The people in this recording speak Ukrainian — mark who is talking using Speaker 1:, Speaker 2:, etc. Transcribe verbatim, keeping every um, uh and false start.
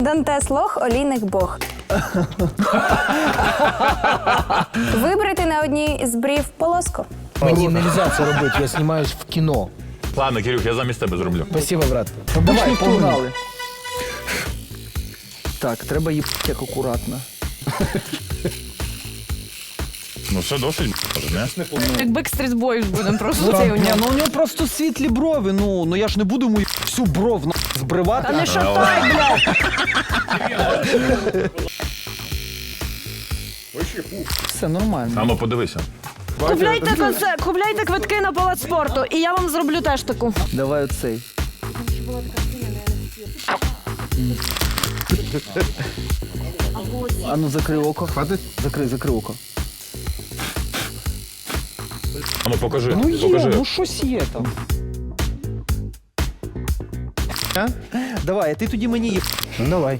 Speaker 1: Дантес лох, олійник бог. Вибрати на одній з брів полоску.
Speaker 2: Мені не можна це робити, я знімаюсь в кіно.
Speaker 3: Ладно, Кирюх, я замість тебе зроблю.
Speaker 2: Спасибо, брат.
Speaker 4: Давай, погнали. Так, треба їбати як акуратно.
Speaker 3: Ну все досить, може, не?
Speaker 5: Як Backstreet Boys будемо просто цей у
Speaker 4: Ні,
Speaker 5: нього.
Speaker 4: ну у нього просто світлі брови, ну, ну я ж не буду йому всю бров на збривати.
Speaker 5: Та не шатай, блядь!
Speaker 4: Все нормально.
Speaker 3: А ну подивися.
Speaker 5: Купляйте концерт, купляйте квитки на палац спорту, і я вам зроблю теж таку.
Speaker 4: Давай оцей. А ну закрий око. Хватить? Закрий, закрий око.
Speaker 3: А ну покажи,
Speaker 4: Ну є,
Speaker 3: покажи.
Speaker 4: ну щось є там. А? Давай, а ти тоді мені їб.
Speaker 2: Ну давай.